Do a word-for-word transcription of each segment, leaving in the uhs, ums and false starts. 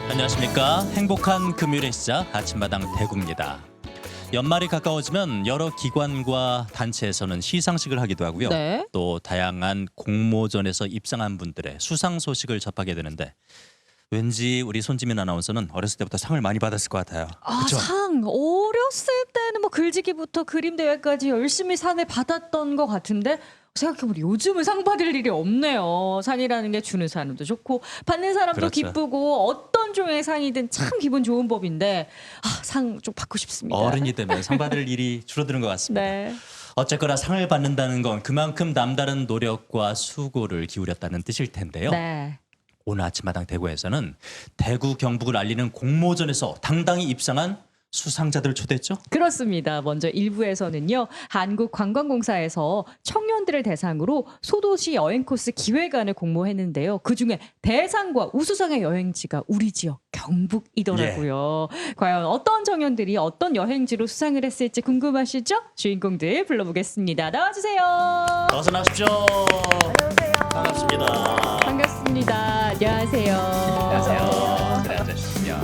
안녕하십니까. 행복한 금요일의 시작 아침마당 대구입니다. 연말이 가까워지면 여러 기관과 단체에서는 시상식을 하기도 하고요. 네. 또 다양한 공모전에서 입상한 분들의 수상 소식을 접하게 되는데 왠지 우리 손지민 아나운서는 어렸을 때부터 상을 많이 받았을 것 같아요. 아, 그쵸? 상 어렸을 때는 뭐 글짓기부터 그림 대회까지 열심히 상을 받았던 것 같은데 생각해보니 요즘은 상 받을 일이 없네요. 상이라는 게 주는 사람도 좋고 받는 사람도 그렇죠. 기쁘고 어떤 종의 상이든 참 기분 좋은 법인데 아, 상 좀 받고 싶습니다. 어른이 되면 상 받을 일이 줄어드는 것 같습니다. 네. 어쨌거나 상을 받는다는 건 그만큼 남다른 노력과 수고를 기울였다는 뜻일 텐데요. 네. 오늘 아침마당 대구에서는 대구 경북을 알리는 공모전에서 당당히 입상한 수상자들을 초대했죠. 그렇습니다. 먼저 일부에서는요. 한국관광공사에서 청년들을 대상으로 소도시 여행 코스 기획안을 공모했는데요. 그중에 대상과 우수상의 여행지가 우리 지역 경북이더라고요. 예. 과연 어떤 청년들이 어떤 여행지로 수상을 했을지 궁금하시죠? 주인공들 불러보겠습니다. 나와주세요. 어서 나오십시오. 안녕하세요. 반갑습니다. 반갑습니다. 안녕하세요. 안녕하세요. 그래 앉으시죠.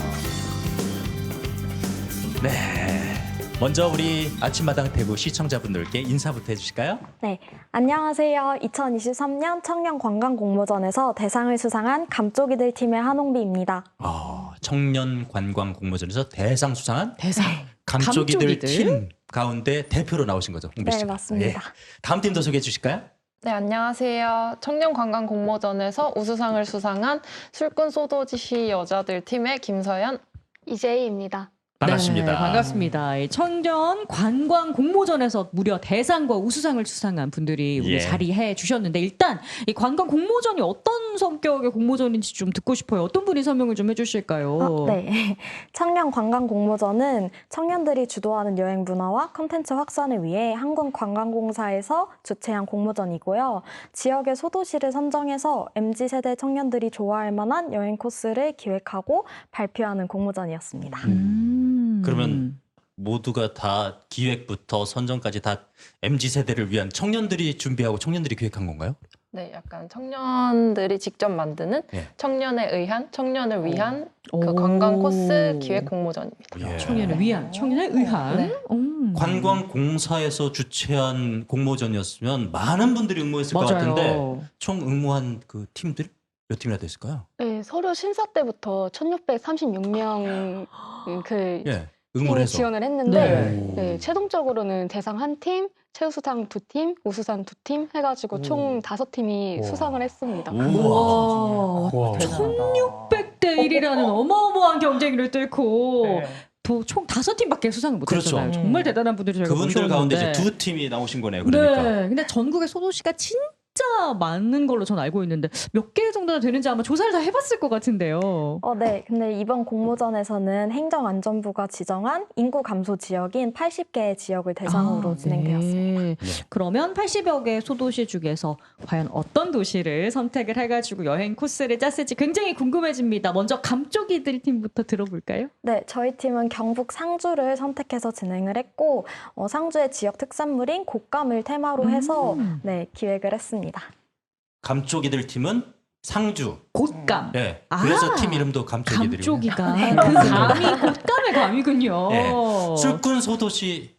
네. 먼저 우리 아침마당 대구 시청자분들께 인사부터 해주실까요? 네, 안녕하세요. 이천이십삼 년 청년 관광 공모전에서 대상을 수상한 감쪽이들 팀의 한홍비입니다. 어, 청년 관광 공모전에서 대상 수상한 대상. 감쪽이들, 감쪽이들? 팀 가운데 대표로 나오신 거죠, 홍비 네, 씨가. 맞습니다. 예. 다음 팀도 소개해 주실까요? 네, 안녕하세요. 청년관광 공모전에서 우수상을 수상한 술꾼 소도시 여자들 팀의 김서연, 이재희입니다. 반갑습니다. 네, 반갑습니다. 이 청년 관광 공모전에서 무려 대상과 우수상을 수상한 분들이 우리 예. 자리해 주셨는데 일단 이 관광 공모전이 어떤 성격의 공모전인지 좀 듣고 싶어요. 어떤 분이 설명을 좀 해주실까요? 아, 네, 청년 관광 공모전은 청년들이 주도하는 여행 문화와 콘텐츠 확산을 위해 한국관광공사에서 주최한 공모전이고요. 지역의 소도시를 선정해서 엠지 세대 청년들이 좋아할 만한 여행 코스를 기획하고 발표하는 공모전이었습니다. 음. 그러면 모두가 다 기획부터 선정까지 다 엠지 세대를 위한 청년들이 준비하고 청년들이 기획한 건가요? 네, 약간 청년들이 직접 만드는 예. 청년에 의한, 청년을 위한 오. 그 관광 코스 기획 공모전입니다. 예. 청년을 위한, 청년에 의한. 네. 음. 관광공사에서 주최한 공모전이었으면 많은 분들이 응모했을 것 맞아요. 같은데 총 응모한 그 팀들 몇 팀이나 됐을까요? 네, 서류 심사 때부터 천육백삼십육 명 그 예, 응모를 해서. 지원을 했는데 네. 네, 최종적으로는 대상 한 팀, 최우수상 두 팀, 우수상 두 팀 해가지고 총 다섯 팀이 수상을 했습니다. 우와. 우와. 천육백 대 일이라는 어마어마한 경쟁을 뚫고 또 총 다섯 팀밖에 수상을 못했잖아요. 그렇죠. 정말 대단한 분들이 저희가 그분들 가운데 이제 모셨는데. 두 팀이 나오신 거네요. 그러니까. 네. 근데 전국의 소도시가 진짜 많은 걸로 전 알고 있는데 몇 개 정도나 되는지 아마 조사를 다 해봤을 것 같은데요. 어, 네. 근데 이번 공모전에서는 행정안전부가 지정한 인구 감소 지역인 팔십 개의 지역을 대상으로 아, 진행되었습니다. 네. 네. 그러면 팔십여 개 소도시 중에서 과연 어떤 도시를 선택을 해가지고 여행 코스를 짰을지 굉장히 궁금해집니다. 먼저 감쪽이들 팀부터 들어볼까요? 네, 저희 팀은 경북 상주를 선택해서 진행을 했고 어, 상주의 지역 특산물인 곶감을 테마로 해서 음. 네, 기획을 했습니다. 감쪽이들 팀은 상주. 곶감. 네. 아, 그래서 팀 이름도 감쪽이들이고요. 감쪽이가 그 감이 곶감의 감이군요. 네. 술꾼 소도시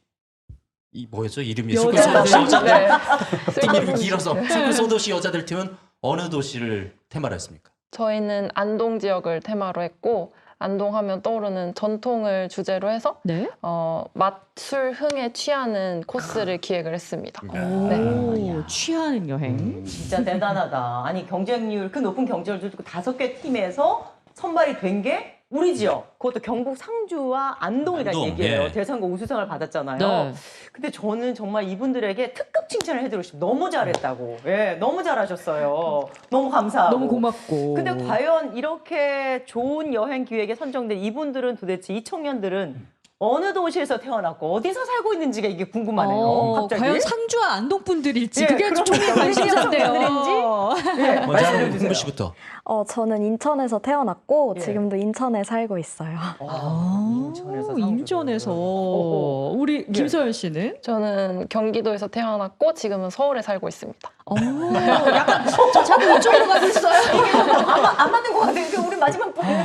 이 뭐였죠? 이름이 여자들. 술꾼 소도시 여자들. 네. 팀 이름이 길어서 술꾼 소도시 여자들 팀은 어느 도시를 테마로 했습니까? 저희는 안동 지역을 테마로 했고 안동하면 떠오르는 전통을 주제로 해서 네. 어, 맛술 흥에 취하는 코스를 기획을 했습니다. 오, 네. 취하는 여행. 진짜 대단하다. 아니 경쟁률 그 높은 경쟁률을 두고 다섯 개 팀에서 선발이 된 게 우리 지역. 그것도 경북 상주와 안동이라는 안동, 얘기예요. 예. 대상과 우수상을 받았잖아요. 네. 근데 저는 정말 이분들에게 특급 칭찬을 해드리고 싶어요. 너무 잘했다고. 예, 너무 잘하셨어요. 너무 감사하고. 너무 고맙고. 근데 과연 이렇게 좋은 여행 기획에 선정된 이분들은 도대체 이 청년들은 어느 도시에서 태어났고 어디서 살고 있는지가 이게 궁금하네요. 어, 갑자기. 과연 상주와 안동 분들일지 예, 그게 그러니까 총의 어디 지역 관심사인데요. 청년들인지? 예, 먼저 말씀해 하는 주세요. 홍비 씨부터. 어, 저는 인천에서 태어났고 예. 지금도 인천에 살고 있어요. 아, 인천에서 상주를. 인천에서 어, 우리 김서연 씨는? 저는 경기도에서 태어났고 지금은 서울에 살고 있습니다. 어, 약간 저 자꾸 이쪽으로 가고 있어요. 안, 맞- 안 맞는 것 같아요. 이게 우리 마지막 분.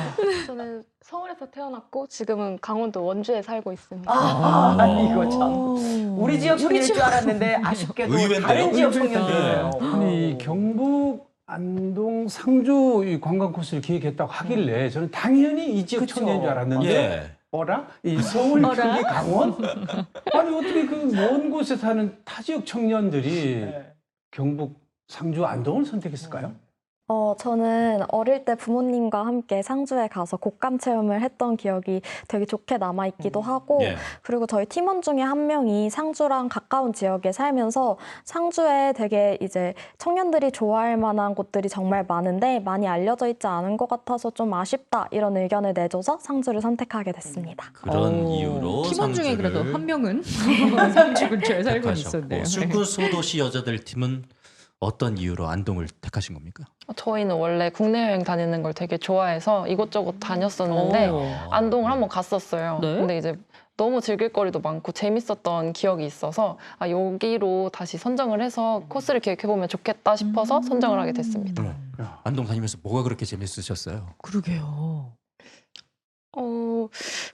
저는 서울에서 태어났고 지금은 강원도 원주에 살고 있습니다. 아, 아. 이거 참. 우리 지역 청년일 줄 알았는데 아쉽게도 의외인데요? 다른 지역 의외다. 청년들이에요. 아니 경북, 안동, 상주 이 관광 코스를 기획했다고 하길래 저는 당연히 이 지역 그쵸. 청년인 줄 알았는데 예. 어라? 이 서울, 어라? 경기, 강원? 아니 어떻게 그 먼 곳에 사는 타 지역 청년들이 네. 경북, 상주, 안동을 선택했을까요? 어, 저는 어릴 때 부모님과 함께 상주에 가서 곶감 체험을 했던 기억이 되게 좋게 남아있기도 하고, 예. 그리고 저희 팀원 중에 한 명이 상주랑 가까운 지역에 살면서 상주에 되게 이제 청년들이 좋아할 만한 곳들이 정말 많은데 많이 알려져 있지 않은 것 같아서 좀 아쉽다 이런 의견을 내줘서 상주를 선택하게 됐습니다. 그런 오, 이유로 팀원 중에 상주를 그래도 한 명은 상주 근처에 살고 택하셨고, 있었네요. 술꾼 소도시 여자들 팀은 어떤 이유로 안동을 택하신 겁니까? 저희는 원래 국내 여행 다니는 걸 되게 좋아해서 이곳저곳 다녔었는데 오. 안동을 한번 갔었어요. 네? 근데 이제 너무 즐길 거리도 많고 재밌었던 기억이 있어서 아, 여기로 다시 선정을 해서 코스를 기획해보면 좋겠다 싶어서 선정을 하게 됐습니다. 음. 안동 다니면서 뭐가 그렇게 재밌으셨어요? 그러게요. 어,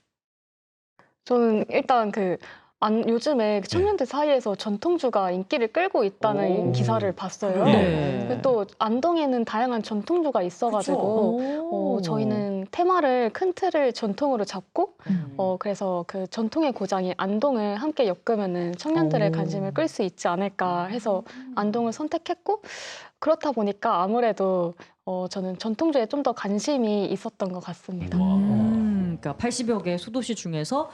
저는 일단 그 안, 요즘에 그 청년들 사이에서 전통주가 인기를 끌고 있다는 오. 기사를 봤어요. 네. 근데 또 안동에는 다양한 전통주가 있어가지고 어, 저희는 테마를 큰 틀을 전통으로 잡고 음. 어, 그래서 그 전통의 고장인 안동을 함께 엮으면은 청년들의 오. 관심을 끌 수 있지 않을까 해서 안동을 선택했고 그렇다 보니까 아무래도 어, 저는 전통주에 좀 더 관심이 있었던 것 같습니다. 음, 그러니까 팔십여 개 소도시 중에서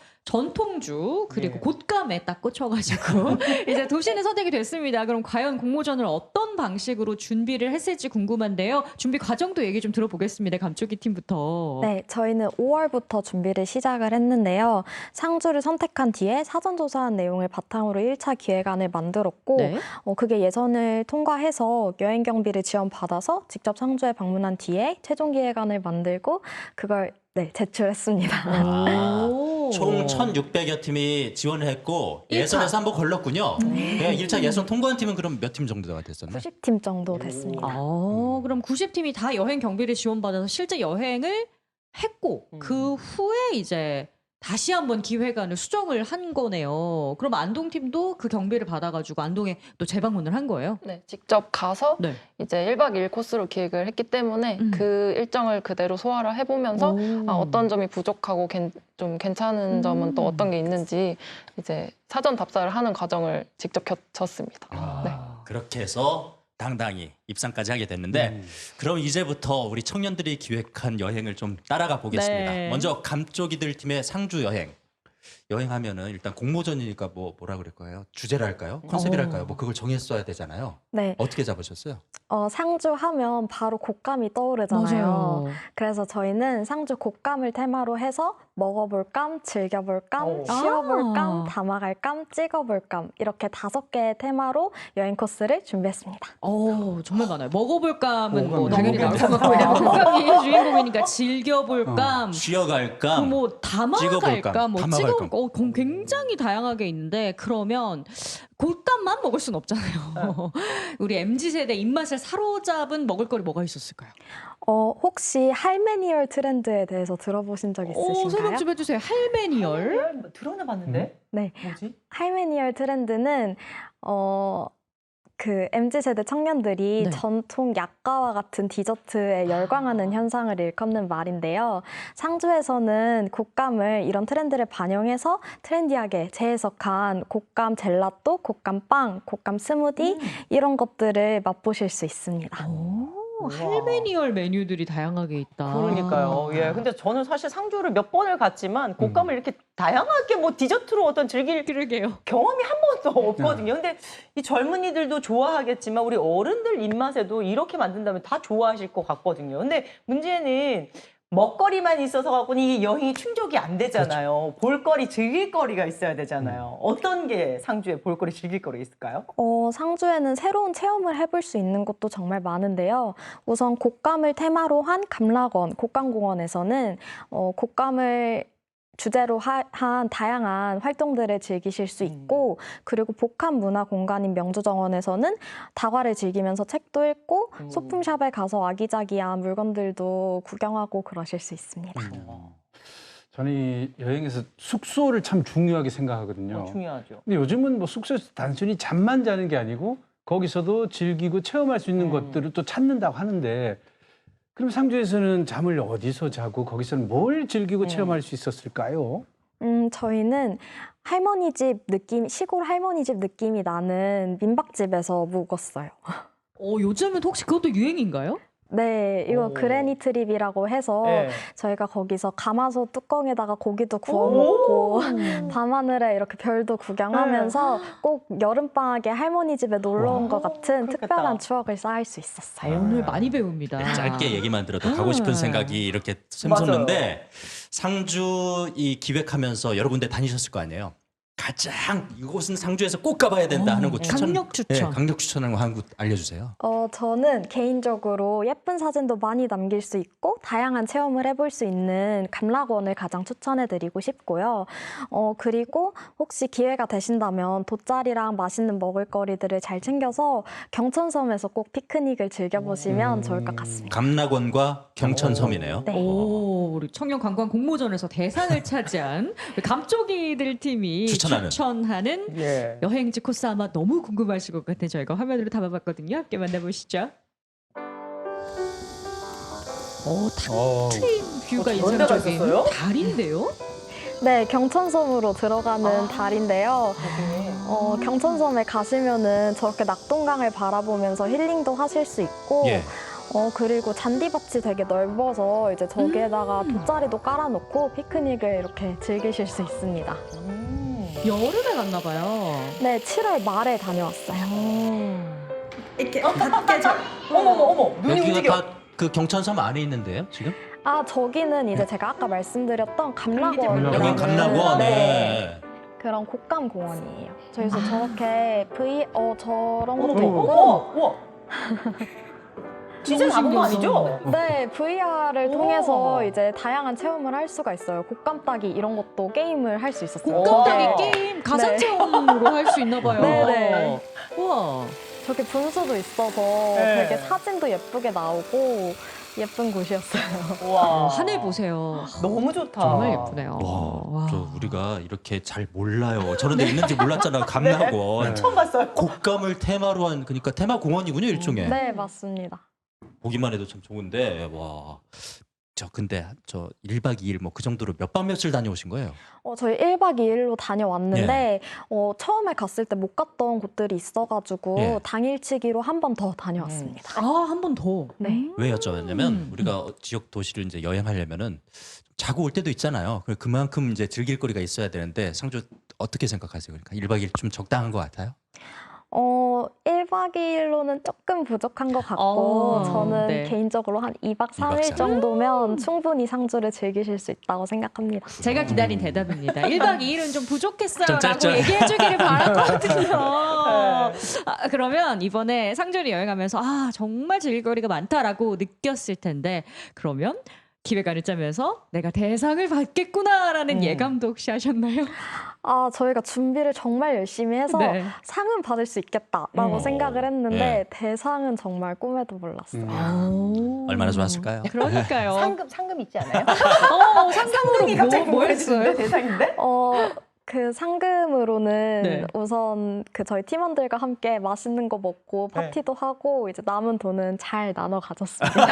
전통주 그리고 네. 곶감에 딱 꽂혀가지고 이제 도시는 선택이 됐습니다. 그럼 과연 공모전을 어떤 방식으로 준비를 했을지 궁금한데요. 준비 과정도 얘기 좀 들어보겠습니다. 감초기 팀부터. 네, 저희는 오월부터 준비를 시작을 했는데요. 상주를 선택한 뒤에 사전조사한 내용을 바탕으로 일 차 기획안을 만들었고 네. 어, 그게 예선을 통과해서 여행 경비를 지원받아서 직접 상주에 방문한 뒤에 최종 기획안을 만들고 그걸 네, 제출했습니다. 아, 오. 총 천육백여 팀이 지원을 했고 일 차. 예선에서 한번 걸렀군요. 네, 일 차 예선 통과한 팀은 그럼 몇 팀 정도가 됐었나요? 구십 팀 정도 됐습니다. 아, 그럼 구십 팀이 다 여행 경비를 지원받아서 실제 여행을 했고 음. 그 후에 이제 다시 한번 기획안을 수정을 한 거네요. 그럼 안동 팀도 그 경비를 받아가지고 안동에 또 재방문을 한 거예요? 네, 직접 가서 네. 이제 일 박 이 일 코스로 기획을 했기 때문에 음. 그 일정을 그대로 소화를 해보면서 아, 어떤 점이 부족하고 괜- 좀 괜찮은 점은 또 음. 어떤 게 있는지 이제 사전 답사를 하는 과정을 직접 겪었습니다. 아, 네. 그렇게 해서 당당히 입상까지 하게 됐는데 음. 그럼 이제부터 우리 청년들이 기획한 여행을 좀 따라가 보겠습니다. 네. 먼저 감쪽이들 팀의 상주 여행. 여행하면은 일단 공모전이니까 뭐 뭐라 그럴 거예요? 주제랄까요? 컨셉이랄까요? 뭐 그걸 정했어야 되잖아요. 네, 어떻게 잡으셨어요? 어, 상주 하면 바로 곶감이 떠오르잖아요. 그래서 저희는 상주 곶감을 테마로 해서 먹어볼 감, 즐겨볼 감, 오. 쉬어볼 감, 아. 담아갈 감, 찍어볼 감 이렇게 다섯 개의 테마로 여행 코스를 준비했습니다. 어, 정말 많아요. 먹어볼 감은 뭐 먹어볼 당연히 나올 감. 것 같고 왜냐면 곶감이 주인공이니까 즐겨볼 어. 감, 쉬어갈까? 그뭐 담아갈까, 찍어볼까? 뭐 담아갈까? 찍어볼까, 어, 그건 굉장히 다양하게 있는데 그러면 곶감만 먹을 순 없잖아요. 우리 엠지 세대 입맛을 사로잡은 먹을거리 뭐가 있었을까요? 어, 혹시 할메니얼 트렌드에 대해서 들어보신 적 어, 설명 있으신가요? 좀 해주세요. 할메니얼. 뭐 들어나 봤는데? 네, 뭐지? 할메니얼 트렌드는 어, 그 엠지 세대 청년들이 네. 전통 약과와 같은 디저트에 열광하는 현상을 일컫는 말인데요. 상주에서는 곶감을 이런 트렌드를 반영해서 트렌디하게 재해석한 곶감 젤라또, 곶감 빵, 곶감 스무디 이런 것들을 맛보실 수 있습니다. 오, 우와. 할메니얼 메뉴들이 다양하게 있다. 그러니까요. 예. 근데 저는 사실 상주를 몇 번을 갔지만 곶감을 이렇게 다양하게 뭐 디저트로 어떤 즐길 그러게요. 경험이 한 번도 없거든요. 근데 이 젊은이들도 좋아하겠지만 우리 어른들 입맛에도 이렇게 만든다면 다 좋아하실 것 같거든요. 근데 문제는 먹거리만 있어서 갖고는 이게 여행이 충족이 안 되잖아요. 볼거리, 즐길거리가 있어야 되잖아요. 어떤 게 상주에 볼거리, 즐길거리 있을까요? 어, 상주에는 새로운 체험을 해볼 수 있는 곳도 정말 많은데요. 우선 곶감을 테마로 한 감락원, 곶감공원에서는 어, 곶감을 주제로 하, 한 다양한 활동들을 즐기실 수 있고 그리고 복합 문화 공간인 명주정원에서는 다과를 즐기면서 책도 읽고 음. 소품샵에 가서 아기자기한 물건들도 구경하고 그러실 수 있습니다. 저는 이 여행에서 숙소를 참 중요하게 생각하거든요. 어, 중요하죠. 근데 요즘은 뭐 숙소에서 단순히 잠만 자는 게 아니고 거기서도 즐기고 체험할 수 있는 음. 것들을 또 찾는다고 하는데 그럼 상주에서는 잠을 어디서 자고 거기서는 뭘 즐기고 음. 체험할 수 있었을까요? 음, 저희는 할머니 집 느낌, 시골 할머니 집 느낌이 나는 민박집에서 묵었어요. 어, 요즘은 혹시 그것도 유행인가요? 네, 이거 오. 그래니 트립이라고 해서 네. 저희가 거기서 가마솥 뚜껑에다가 고기도 구워 먹고 오. 밤하늘에 이렇게 별도 구경하면서 꼭 여름방학에 할머니 집에 놀러 온 것 같은 그렇겠다. 특별한 추억을 쌓을 수 있었어요. 오늘 많이 배웁니다. 네, 짧게 얘기만 들어도 가고 싶은 음. 생각이 이렇게 샘솟는데 상주 이 기획하면서 여러 군데 다니셨을 거 아니에요. 가장 이곳은 상주에서 꼭 가봐야 된다 하는 곳 추천. 강력 추천. 네, 강력 추천하는 거 한 곳 알려주세요. 어, 저는 개인적으로 예쁜 사진도 많이 남길 수 있고 다양한 체험을 해볼 수 있는 감락원을 가장 추천해드리고 싶고요. 어, 그리고 혹시 기회가 되신다면 돗자리랑 맛있는 먹을거리들을 잘 챙겨서 경천섬에서 꼭 피크닉을 즐겨보시면 음. 좋을 것 같습니다. 감락원과 경천섬이네요. 네. 오, 우리 청년관광 공모전에서 대상을 차지한 그 감쪽이들 팀이 추천하는. 추천하는 예. 여행지 코스 아마 너무 궁금하실 것 같아요. 저희가 화면으로 담아봤거든요. 함께 만나보시죠. 오, 탁 어, 트인 뷰가 어, 저런 데가 인상적인 있었어요? 달인데요? 네, 경천섬으로 들어가는 아. 달인데요. 어, 경천섬에 가시면은 저렇게 낙동강을 바라보면서 힐링도 하실 수 있고 예. 어, 그리고 잔디밭이 되게 넓어서 이제 저기에다가 돗자리도 깔아놓고 피크닉을 이렇게 즐기실 수 있습니다. 음. 여름에 갔나 봐요. 네, 칠월 말에 다녀왔어요. 이렇게 깨져. 어머 어머 어머 눈이 움직여. 여기가 다 그 경천섬 안에 있는데요, 지금? 아, 저기는 이제 제가 아까 말씀드렸던 감락원이라는 여긴 감락원. 네, 네. 그런 곡감 공원이에요. 저기서 저렇게 V 어 저런 어머 것도 어머 있고 어머. 우와. 진짜 너무 잡은 거 신기하다. 아니죠? 네, 브이알을 오. 통해서 이제 다양한 체험을 할 수가 있어요. 곡감 따기 이런 것도 게임을 할 수 있었어요. 오. 곡감따기 저게- 게임 가상 네. 체험으로 할 수 있나 봐요. 네네. 우와. 저게 분수도 있어서 네. 되게 사진도 예쁘게 나오고 예쁜 곳이었어요. 어, 와. 하늘 보세요. 너무 좋다. 정말 예쁘네요. 와, 저 우리가 이렇게 잘 몰라요. 저런 데 있는지 몰랐잖아요. 감락원. 처음 봤어요. 곡감을 테마로 한 그러니까 테마 공원이군요, 일종의. 네, 맞습니다. 보기만 해도 참 좋은데 와. 저 근데 저 일 박 이 일 뭐 그 정도로 몇 밤 며칠 다녀오신 거예요? 어, 저희 일 박 이 일로 다녀왔는데 어, 처음에 갔을 때 못 갔던 곳들이 있어가지고 예. 당일치기로 한 번 더 다녀왔습니다. 아, 한 번 더. 네. 왜 여쭤봤냐면 음. 우리가 지역 도시를 이제 여행하려면은 자고 올 때도 있잖아요. 그럼 그만큼 이제 즐길 거리가 있어야 되는데 상주 어떻게 생각하세요? 그러니까 일 박 이 일 좀 적당한 것 같아요? 어, 일 박 이 일로는 조금 부족한 것 같고 어, 저는 네. 개인적으로 한 이 박 삼 일 이 박 삼 일. 정도면 충분히 상주를 즐기실 수 있다고 생각합니다. 제가 기다린 대답입니다. 일 박 이 일은 좀 부족했어요. 좀 라고 짧죠? 얘기해 주기를 바랐거든요. 네. 아, 그러면 이번에 상주를 여행하면서 아, 정말 즐길 거리가 많다라고 느꼈을 텐데 그러면 기획안을 짜면서 내가 대상을 받겠구나라는 음. 예감도 혹시 하셨나요? 아, 저희가 준비를 정말 열심히 해서 네. 상은 받을 수 있겠다라고 음. 생각을 했는데 네. 대상은 정말 꿈에도 몰랐어요. 음. 오. 얼마나 좋았을까요? 그러니까요. 상금 상금 있지 않아요? 어, 상금으로 상금이 갑자기 뭐, 뭐 했어요? 뭐였는데 대상인데? 어, 그 상금으로는 네. 우선 그 저희 팀원들과 함께 맛있는 거 먹고 네. 파티도 하고 이제 남은 돈은 잘 나눠 가졌습니다.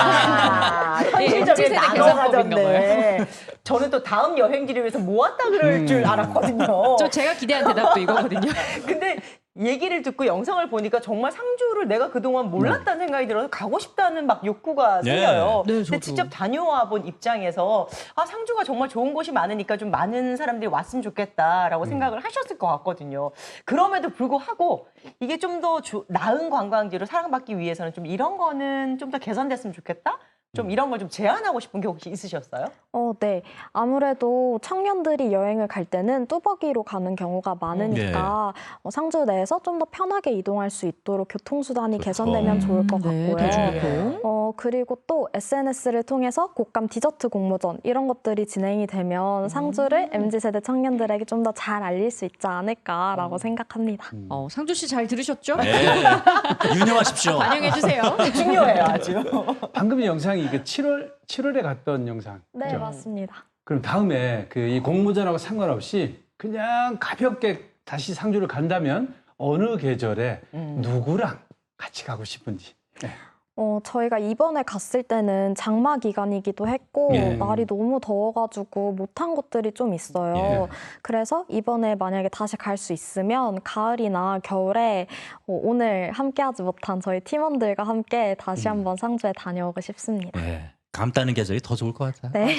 아, 예, 엠지 현실적인 세대 나눠 계산법인가 가졌네. 저는 또 다음 여행지를 위해서 모았다 그럴 음. 줄 알았거든요. 저 제가 기대한 대답도 이거거든요. 근데 얘기를 듣고 영상을 보니까 정말 상주를 내가 그동안 몰랐다는 생각이 들어서 가고 싶다는 막 욕구가 네. 생겨요. 네, 근데 저도. 직접 다녀와 본 입장에서 아 상주가 정말 좋은 곳이 많으니까 좀 많은 사람들이 왔으면 좋겠다라고 생각을 하셨을 것 같거든요. 그럼에도 불구하고 이게 좀 더 나은 관광지로 사랑받기 위해서는 좀 이런 거는 좀 더 개선됐으면 좋겠다? 좀 이런 걸 좀 제안하고 싶은 게 혹시 있으셨어요? 어, 네. 아무래도 청년들이 여행을 갈 때는 뚜벅이로 가는 경우가 많으니까 어, 상주 내에서 좀 더 편하게 이동할 수 있도록 교통수단이 그렇죠. 개선되면 좋을 것 네, 같고요. 대중교통. 어, 그리고 또 에스엔에스를 통해서 곡감 디저트 공모전 이런 것들이 진행이 되면 상주를 엠지 세대 청년들에게 좀 더 잘 알릴 수 있지 않을까라고 생각합니다. 어, 상주 씨 잘 들으셨죠? 네. 유념하십시오. 반영해 주세요. 중요해요, 아주. 방금 영상이 그 칠월 칠월에 갔던 영상. 네, 그죠? 맞습니다. 그럼 다음에 그 이 공모전하고 상관없이 그냥 가볍게 다시 상주를 간다면 어느 계절에 음. 누구랑 같이 가고 싶은지. 네. 어, 저희가 이번에 갔을 때는 장마 기간이기도 했고 예. 날이 너무 더워가지고 못한 곳들이 좀 있어요. 예. 그래서 이번에 만약에 다시 갈 수 있으면 가을이나 겨울에 어, 오늘 함께하지 못한 저희 팀원들과 함께 다시 음. 한번 상주에 다녀오고 싶습니다. 네. 감 따는 계절이 더 좋을 것 같아요. 네.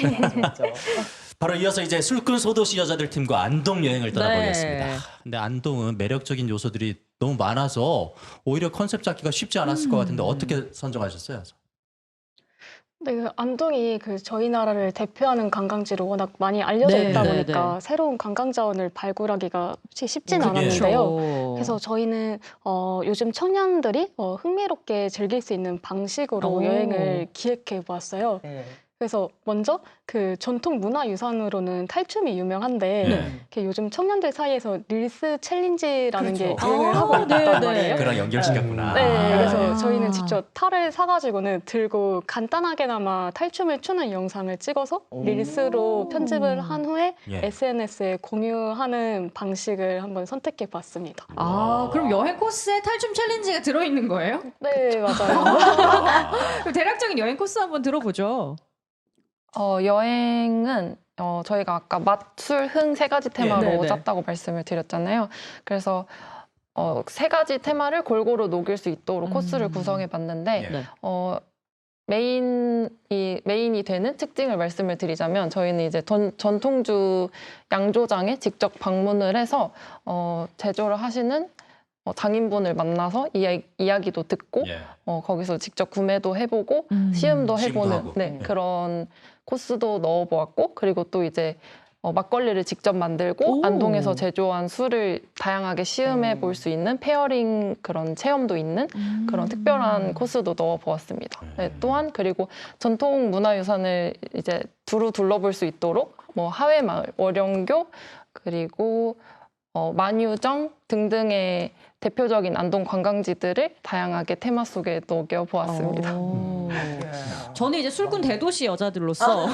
바로 이어서 이제 술꾼 소도시 여자들 팀과 안동 여행을 떠나보겠습니다. 네. 근데 안동은 매력적인 요소들이 너무 많아서 오히려 컨셉 잡기가 쉽지 않았을 것 같은데 어떻게 선정하셨어요? 네, 그 안동이 그 저희 나라를 대표하는 관광지로 워낙 많이 알려져 네, 있다 네, 보니까 네. 새로운 관광 자원을 발굴하기가 솔직히 쉽진 그게- 않았는데요. 그렇죠. 그래서 저희는 어, 요즘 청년들이 어, 흥미롭게 즐길 수 있는 방식으로 오. 여행을 기획해 보았어요. 네. 그래서 먼저 그 전통 문화 유산으로는 탈춤이 유명한데 네. 이렇게 요즘 청년들 사이에서 릴스 챌린지라는 게 그렇죠. 유행을 아, 하고 있단 네, 네. 말이에요. 그랑 연결시켰구나. 네, 아. 그래서 아. 저희는 직접 탈을 사가지고는 들고 간단하게나마 탈춤을 추는 영상을 찍어서 오. 릴스로 편집을 한 후에 예. 에스엔에스에 공유하는 방식을 한번 선택해 봤습니다. 아, 그럼 여행 코스에 탈춤 챌린지가 들어있는 거예요? 네, 맞아요. 아. 그럼 대략적인 여행 코스 한번 들어보죠. 어, 여행은 어, 저희가 아까 맛, 술, 흥 세 가지 테마로 네, 네. 짰다고 말씀을 드렸잖아요. 그래서 어, 세 가지 테마를 골고루 녹일 수 있도록 음. 코스를 구성해 봤는데 예. 네. 어, 메인이 메인이 되는 특징을 말씀을 드리자면 저희는 이제 전, 전통주 양조장에 직접 방문을 해서 어, 제조를 하시는 어, 장인분을 만나서 이야, 이야기도 듣고 예. 어, 거기서 직접 구매도 해보고 음. 시음도 시음도 해보는 하고. 네, 네. 그런 코스도 넣어보았고 그리고 또 이제 어, 막걸리를 직접 만들고 오. 안동에서 제조한 술을 다양하게 시음해 음. 볼 수 있는 페어링 그런 체험도 있는 그런 특별한 코스도 넣어보았습니다. 네, 또한 그리고 전통 문화유산을 이제 두루 둘러볼 수 있도록 뭐 하회마을, 월영교 그리고 어, 만유정 등등의 대표적인 안동 관광지들을 다양하게 테마 속에 녹여보았습니다. 오. 예. 저는 이제 술꾼 대도시 여자들로서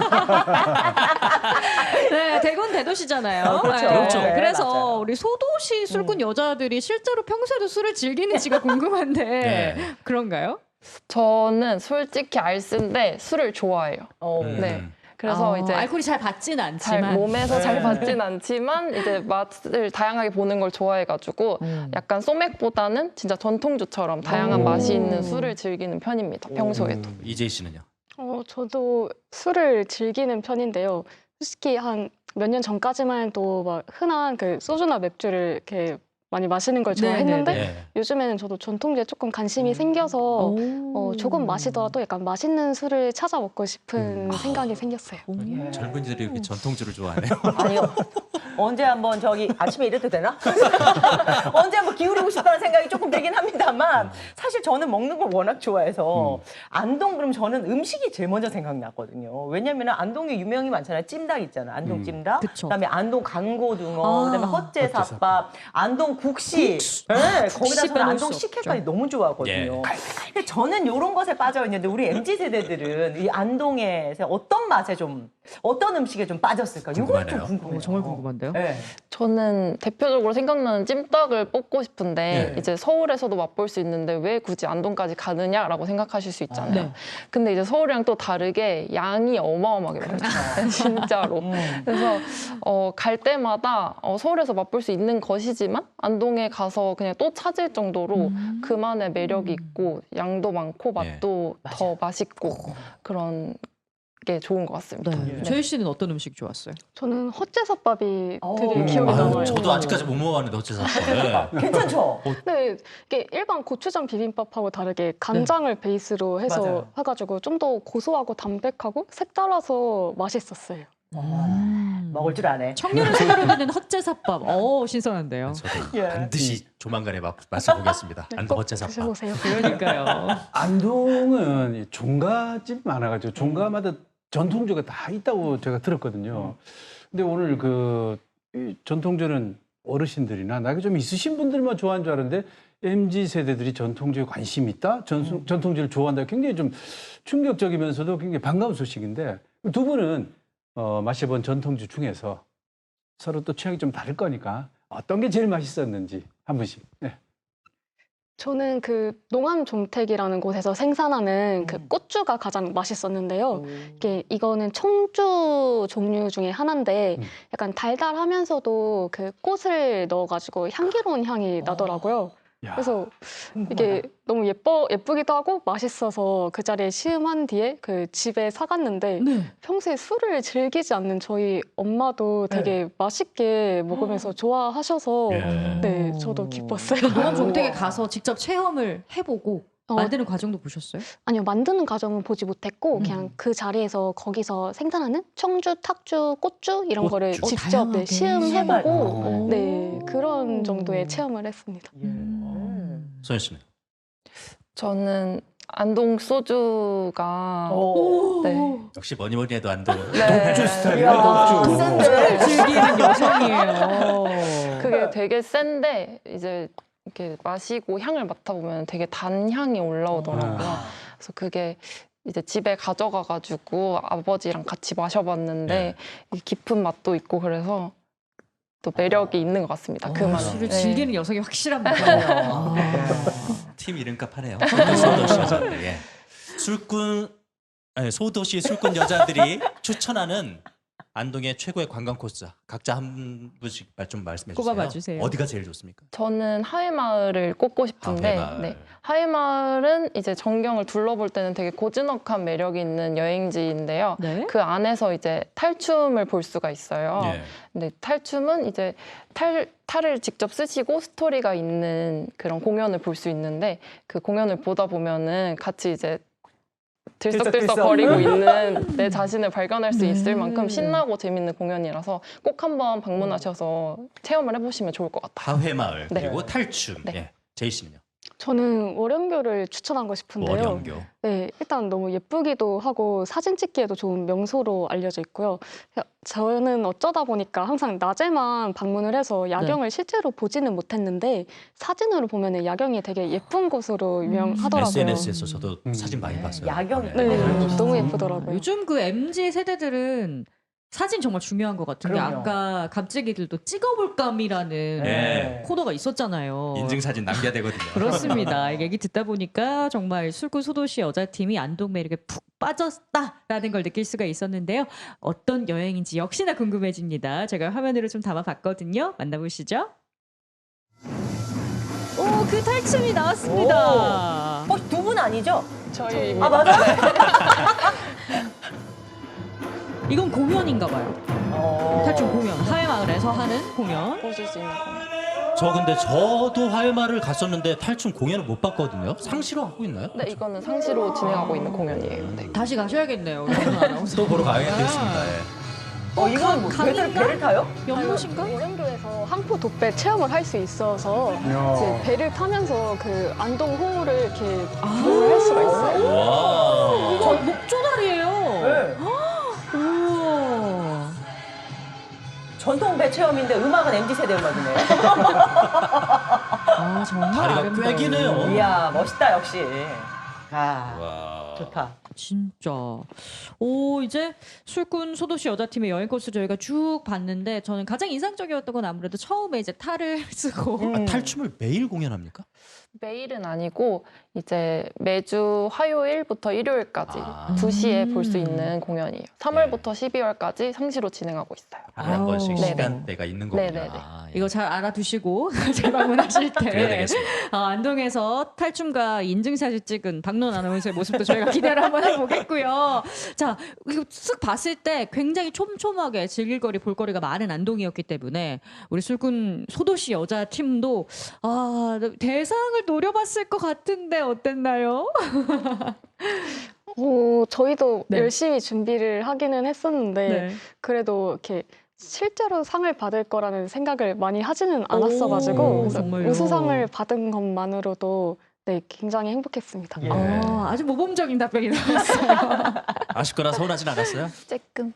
네 대구는 대도시잖아요. 어, 그렇죠. 네, 그렇죠. 네, 그래서 맞아요. 우리 소도시 술꾼 여자들이 실제로 평소에도 술을 즐기는지가 궁금한데 네. 그런가요? 저는 솔직히 알쓴데 술을 좋아해요. 어. 음. 네. 그래서 아, 이제 알코올이 잘 받진 잘 않지만 몸에서 네. 잘 받진 않지만 이제 맛을 다양하게 보는 걸 좋아해가지고 약간 소맥보다는 진짜 전통주처럼 다양한 오. 맛이 있는 술을 즐기는 편입니다. 평소에도. 이재희 씨는요? 어, 저도 술을 즐기는 편인데요. 솔직히 한 몇 년 전까지만 해도 막 흔한 그 소주나 맥주를 이렇게 많이 마시는 걸 네, 좋아했는데 네, 예. 요즘에는 저도 전통주에 조금 관심이 음. 생겨서 오. 어, 조금 마시더라도 약간 맛있는 술을 찾아 먹고 싶은 음. 생각이 생겼어요. 오. 예. 젊은이들이 이렇게 전통주를 좋아하네요. 아니요. 언제 한번 저기 아침에 이래도 되나? 언제 한번 기울이고 싶다는 생각이 조금 들긴 합니다만 사실 저는 먹는 걸 워낙 좋아해서 음. 안동 그럼 저는 음식이 제일 먼저 생각났거든요. 왜냐면 안동에 유명이 많잖아요. 찜닭 있잖아요. 안동 음. 찜닭. 그쵸. 그다음에 안동 강고등어, 아, 그다음에 헛제사밥, 안동 국시. 네, 거기다 저는 빼놓을 안동 수 식혜까지 없죠. 너무 좋아하거든요. 근데 저는 이런 것에 빠져 있는데 우리 엠지 세대들은 이 안동에서 어떤 맛에 좀 어떤 음식에 좀 빠졌을까? 이건 좀 궁금하네요. 궁금해요. 오, 정말 궁금한데요. 네. 저는 대표적으로 생각나는 찜닭을 뽑고 싶은데 네. 이제 서울에서도 맛볼 수 있는데 왜 굳이 안동까지 가느냐라고 생각하실 수 있잖아요. 네. 근데 이제 서울이랑 또 다르게 양이 어마어마하게 많아요. 진짜로. 음. 그래서 어, 갈 때마다 어, 서울에서 맛볼 수 있는 것이지만 안동에 가서 그냥 또 찾을 정도로 음. 그만의 매력이 있고 양도 많고 맛도 네. 더 맛있고 그런 게 좋은 것 같습니다. 네. 제일 씨는 어떤 음식 좋았어요? 저는 헛제섭밥이 오. 되게 기억에 아, 남아요. 저도 아직까지 못 먹어봤는데 어째서 네. 괜찮죠? 네, 이게 일반 고추장 비빔밥하고 다르게 간장을 베이스로 해서 맞아요. 해가지고 좀 더 고소하고 담백하고 색달라서 맛있었어요. 음. 먹을 줄 아네. 청년을 생활하는 헛제사밥. 어 신선한데요. 저도 예. 반드시 조만간에 맛, 맛을 보겠습니다. 안동 꼭 어째사밥. 드셔보세요. 그러니까요. 안동은 이 종가집 많아가지고 종가마다 전통주가 다 있다고 제가 들었거든요. 근데 오늘 그이 전통주는 어르신들이나 나이가 좀 있으신 분들만 좋아하는 줄 알았는데 엠지 세대들이 전통주에 관심이 있다? 전, 전통주를 좋아한다? 굉장히 좀 충격적이면서도 굉장히 반가운 소식인데 두 분은 어, 마셔본 전통주 중에서 서로 또 취향이 좀 다를 거니까 어떤 게 제일 맛있었는지 한 분씩. 네. 저는 그 농암 종택이라는 곳에서 생산하는 그 음. 꽃주가 가장 맛있었는데요. 이게 이거는 청주 종류 중에 하나인데 음. 약간 달달하면서도 그 꽃을 넣어가지고 향기로운 향이 나더라고요. 야, 그래서 이게 너무 예뻐 예쁘기도 하고 맛있어서 그 자리에 시음한 뒤에 그 집에 사갔는데 네. 평소에 술을 즐기지 않는 저희 엄마도 되게 맛있게 먹으면서 좋아하셔서 예. 네 저도 기뻤어요. 농암 종택에 가서 직접 체험을 해보고 어, 만드는 과정도 보셨어요? 아니요, 만드는 과정은 보지 못했고 음. 그냥 그 자리에서 거기서 생산하는 청주, 탁주, 꽃주 이런 꽃주. 거를 어, 직접 다양하게. 네, 시음해보고 오. 네 그런 오. 정도의 체험을 했습니다. 예. 소연 씨는? 저는 안동 소주가 오. 네. 역시 뭐니 뭐니 해도 안동. 네. 독주 스타일이야, 이야, 독주. 센데. 즐기는 여성이에요. 그게 되게 센데 이제 이렇게 마시고 향을 맡아보면 되게 단 향이 올라오더라고요. 아. 그래서 그게 이제 집에 가져가가지고 아버지랑 같이 마셔봤는데 이 깊은 맛도 있고 그래서 또 매력이 있는 것 같습니다. 그 어, 맛. 술을 네. 즐기는 여성이 확실한 거예요. 팀 이름값 하네요. 소도시 여자들. 예. 술꾼 아니, 소도시 술꾼 여자들이 추천하는 안동의 최고의 관광 코스 각자 한 분씩 말 좀 말씀해 주세요. 꼽아봐 주세요. 어디가 제일 좋습니까? 저는 하회마을을 꼽고 싶은데 하회마을. 네. 하회마을은 이제 전경을 둘러볼 때는 되게 고즈넉한 매력이 있는 여행지인데요. 네. 그 안에서 이제 탈춤을 볼 수가 있어요. 예. 근데 탈춤은 이제 탈, 탈을 직접 쓰시고 스토리가 있는 그런 공연을 볼 수 있는데 그 공연을 보다 보면은 같이 이제 들썩들썩 거리고 있는 내 자신을 발견할 수 있을 네. 만큼 신나고 재밌는 공연이라서 꼭 한번 방문하셔서 체험을 해보시면 좋을 것 같아요. 하회마을 네. 그리고 탈춤. 네. 예. 제이 씨는요? 저는 월영교를 추천하고 싶은데요. 월영교. 네, 일단 너무 예쁘기도 하고 사진 찍기에도 좋은 명소로 알려져 있고요. 저는 어쩌다 보니까 항상 낮에만 방문을 해서 야경을 실제로 보지는 못했는데 사진으로 보면 야경이 되게 예쁜 곳으로 유명하더라고요. 에스엔에스에서 저도 음. 사진 많이 봤어요. 야경이 네, 음. 너무 예쁘더라고요. 요즘 그 엠지 세대들은 사진 정말 중요한 것 같은 게 그럼요. 아까 갑자기들도 찍어볼감이라는 네. 코너가 있었잖아요. 인증 사진 남겨야 되거든요. 그렇습니다. 얘기 듣다 보니까 정말 술꾼 소도시 여자팀이 안동 매력에 푹 빠졌다라는 걸 느낄 수가 있었는데요. 어떤 여행인지 역시나 궁금해집니다. 제가 화면으로 좀 담아봤거든요. 만나보시죠. 오, 그 탈춤이 나왔습니다. 어, 두 분 아니죠? 저희입니다. 아, 맞아? 이건 공연인가 봐요. 어. 탈춤 공연. 하회마을에서 하는 공연. 보실 수 있는 공연. 저 근데 저도 하회마를 갔었는데 탈춤 공연을 못 봤거든요. 상시로 하고 있나요? 네, 이거는 상시로 진행하고 있는 공연이에요. 네. 다시 가셔야겠네요. 우리 오늘 아나운서. 또 보러 가야겠습니다. 예. 어, 이건 뭐 배를, 강인가? 배를 타요? 연못인가? 월영교에서 항포 독배 체험을 할 수 있어서 야. 이제 배를 타면서 그 안동호를 이렇게 구경을 할 수가 있어요. 와. 이거 목조다리예요. 네. 우와. 전통 배 체험인데 음악은 엠지 세대 음악이네요. 아 정말 다리가 아름다워요. 꽤 기네요. 이야, 멋있다, 역시. 아, 와. 좋다. 진짜. 오 이제 술꾼 소도시 여자팀의 여행 코스 저희가 쭉 봤는데 저는 가장 인상적이었던 건 아무래도 처음에 이제 탈을 쓰고 음. 아, 탈춤을 매일 공연합니까? 매일은 아니고 이제 매주 화요일부터 일요일까지 아. 두 시에 볼 수 음. 있는 공연이에요. 삼월부터 십이월까지 상시로 진행하고 있어요. 한 번씩 네네. 시간대가 있는 거군요. 네네네. 아, 예. 이거 잘 알아두시고 재방문하실 때 그래야 되겠습니다. 어, 안동에서 탈춤과 인증샷을 찍은 박론 아나운서의 모습도 저희가 기대를 한번 해보겠고요. 자, 이거 쓱 봤을 때 굉장히 촘촘하게 즐길거리, 볼거리가 많은 안동이었기 때문에 우리 술꾼 소도시 여자 팀도 아, 대상을 노려봤을 것 같은데 어땠나요? 오, 저희도 네. 열심히 준비를 하기는 했었는데 네. 그래도 이렇게 실제로 상을 받을 거라는 생각을 많이 하지는 않았어가지고 오, 그래서 정말요? 우수상을 받은 것만으로도 네, 굉장히 행복했습니다. 예. 어, 아주 모범적인 답변이 나왔어요. 아쉽거나 서운하진 않았어요? 쬐끔.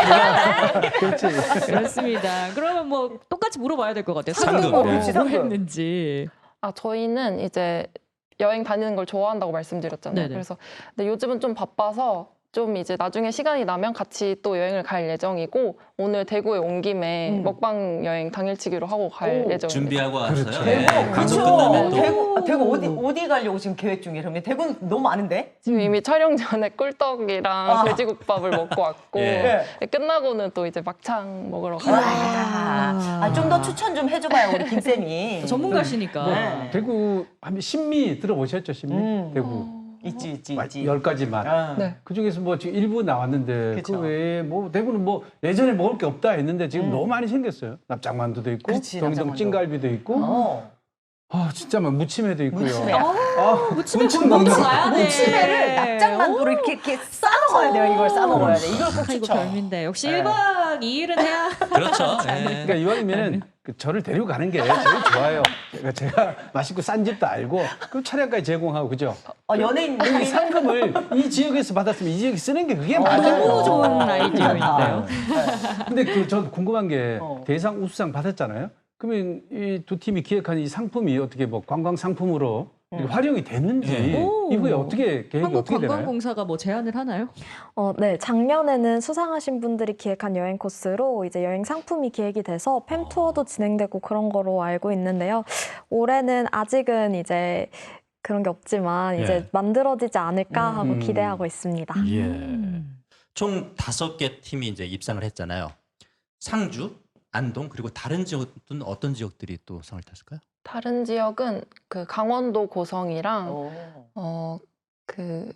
그렇지. 그렇습니다. 그러면 뭐 똑같이 물어봐야 될 것 같아요. 상금. 상금으로 네. 뭐 상금. 했는지. 아, 저희는 이제 여행 다니는 걸 좋아한다고 말씀드렸잖아요. 네네. 그래서 근데 요즘은 좀 바빠서 좀 이제 나중에 시간이 나면 같이 또 여행을 갈 예정이고 오늘 대구에 온 김에 음. 먹방 여행 당일치기로 하고 갈 오, 예정입니다. 준비하고 왔어요. 그렇죠. 예. 대구, 방송 그쵸? 끝나면 또 대구, 아, 대구 어디 어디 가려고 지금 계획 중이에요? 그러면 대구는 너무 많은데? 지금 이미 촬영 전에 꿀떡이랑 아. 돼지국밥을 먹고 왔고 예. 끝나고는 또 이제 막창 먹으러 가요. 아, 아, 좀 더 추천 좀 해줘봐요 우리 김 쌤이. 전문가시니까. 네. 대구 하면 신미 들어보셨죠? 신미? 음. 대구. 있지 있지 마- 있지. 열 가지 맛. 아. 네. 그 중에서 뭐 지금 일부 나왔는데 그쵸. 그 외에 뭐 대구는 뭐 예전에 먹을 게 없다 했는데 지금 음. 너무 많이 생겼어요. 납작만두도 있고 그렇지, 경기도 납작만두. 찐갈비도 있고 어. 아 진짜 막 무침회도 있고요. 무침회. 아, 무침에 무침 먹는 먹는 거 봐야 돼. 무침회를 납작만두를 이렇게 이렇게 싸 먹어야 돼요. 이걸 싸 먹어야 돼. 이걸 꼭 아, 이거 추천. 별미인데 역시 네. 일 박 이 일은 해야. 그렇죠. 예. 그러니까 이왕이면은 그 저를 데리고 가는 게 제일 좋아요. 그러니까 제가 맛있고 싼 집도 알고 그 차량까지 제공하고 그죠? 어, 연예인 이 느낌이 상금을 이 지역에서 받았으면 이 지역에 쓰는 게 그게 맞아요. 너무 좋은 아이디어인데요. 근데 그 전 궁금한 게 어. 대상 우수상 받았잖아요. 그러면 이 두 팀이 기획한 이 상품이 어떻게 뭐 관광 상품으로 이렇게 활용이 되는지 예. 이후에 어떻게 계획이 어떻게 되나요? 한국관광공사가 뭐 제안을 하나요? 어, 네. 작년에는 수상하신 분들이 기획한 여행 코스로 이제 여행 상품이 기획이 돼서 팸 투어도 진행되고 그런 거로 알고 있는데요. 올해는 아직은 이제 그런 게 없지만 이제 예. 만들어지지 않을까 하고 음. 기대하고 있습니다. 예. 음. 총 다섯 개 팀이 이제 입상을 했잖아요. 상주, 안동 그리고 다른 지역은 어떤 지역들이 또 상을 탔을까요? 다른 지역은 그 강원도 고성이랑 어. 어 그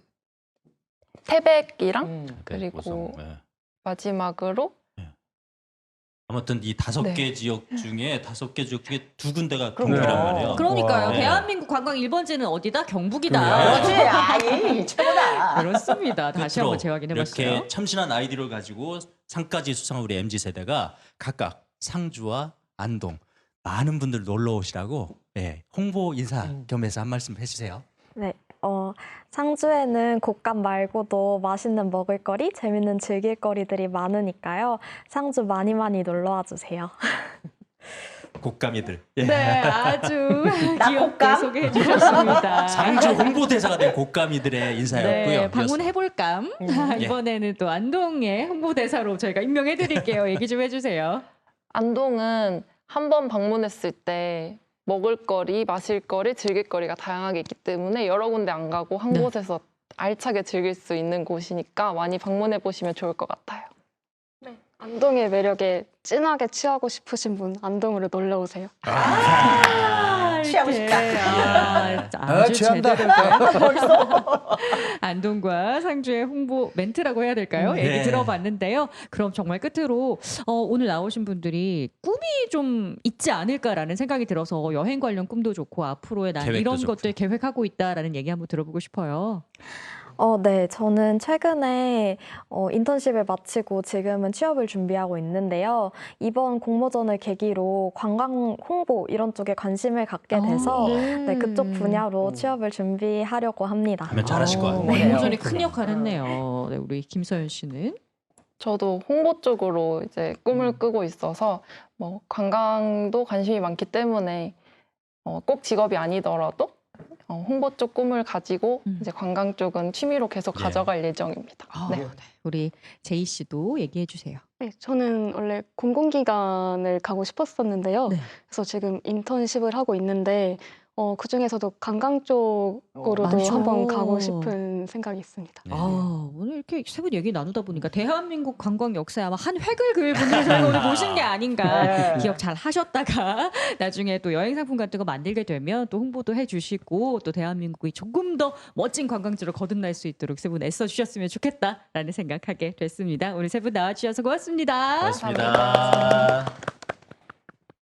태백이랑 음. 그리고 고성, 예. 마지막으로 아무튼 이 다섯 네. 개 지역 중에 다섯 개 지역 중에 두 군데가 그럼요. 경기란 말이에요. 그러니까요. 와. 대한민국 관광 일 번지는 어디다? 경북이다. 그렇지. 아이 최고다. 그렇습니다. 다시 한번 재확인해봤어요. 이렇게 참신한 아이디어를 가지고 상까지 수상한 우리 엠지 세대가 각각 상주와 안동 많은 분들 놀러 오시라고 예, 홍보 인사 음. 겸해서 한 말씀 해주세요. 네. 어, 상주에는 곶감 말고도 맛있는 먹을거리, 재밌는 즐길거리들이 많으니까요. 상주 많이 많이 놀러와 주세요. 곶감이들. 예. 네, 아주 나 귀엽게 곶감? 소개해 주셨습니다. 상주 홍보대사가 된 곶감이들의 인사였고요. 네, 방문해볼감. 음. 이번에는 또 안동의 홍보대사로 저희가 임명해드릴게요. 얘기 좀 해주세요. 안동은 한 번 방문했을 때 먹을거리, 마실거리, 즐길거리가 다양하게 있기 때문에 여러 군데 안 가고 한 네. 곳에서 알차게 즐길 수 있는 곳이니까 많이 방문해 보시면 좋을 것 같아요. 안동의 매력에 진하게 취하고 싶으신 분 안동으로 놀러 오세요. 아, 취하고 이렇게. 싶다. 아, 아, 아주 취한다. 제대로 된 안동과 상주의 홍보 멘트라고 해야 될까요? 음, 얘기 네. 들어봤는데요. 그럼 정말 끝으로 어, 오늘 나오신 분들이 꿈이 좀 있지 않을까라는 생각이 들어서 여행 관련 꿈도 좋고 앞으로의 난 계획도 이런 좋고. 것들 계획하고 있다라는 얘기 한번 들어보고 싶어요. 어, 네. 저는 최근에 어, 인턴십을 마치고 지금은 취업을 준비하고 있는데요. 이번 공모전을 계기로 관광 홍보 이런 쪽에 관심을 갖게 돼서 음. 네, 그쪽 분야로 취업을 준비하려고 합니다. 하면 잘하실 것 같아요. 네. 네. 공모전이 큰 역할 했네요. 네, 우리 김서연 씨는? 저도 홍보 쪽으로 이제 꿈을 꾸고 있어서 뭐 관광도 관심이 많기 때문에 어, 꼭 직업이 아니더라도 어, 홍보 쪽 꿈을 가지고 음. 이제 관광 쪽은 취미로 계속 예. 가져갈 예정입니다. 아, 네. 네. 우리 제이 씨도 얘기해 주세요. 네, 저는 원래 공공기관을 가고 싶었었는데요. 네. 그래서 지금 인턴십을 하고 있는데 어, 그 중에서도 관광 쪽으로도 많죠. 한번 가고 싶은 생각이 있습니다. 네. 아, 오늘 이렇게 세 분 얘기 나누다 보니까 대한민국 관광 역사에 아마 한 획을 그을 분들을 저희가 오늘 모신 게 아닌가. 네. 기억 잘 하셨다가 나중에 또 여행 상품 같은 거 만들게 되면 또 홍보도 해주시고 또 대한민국이 조금 더 멋진 관광지로 거듭날 수 있도록 세 분 애써 주셨으면 좋겠다라는 생각하게 됐습니다. 오늘 세 분 나와주셔서 고맙습니다. 고맙습니다.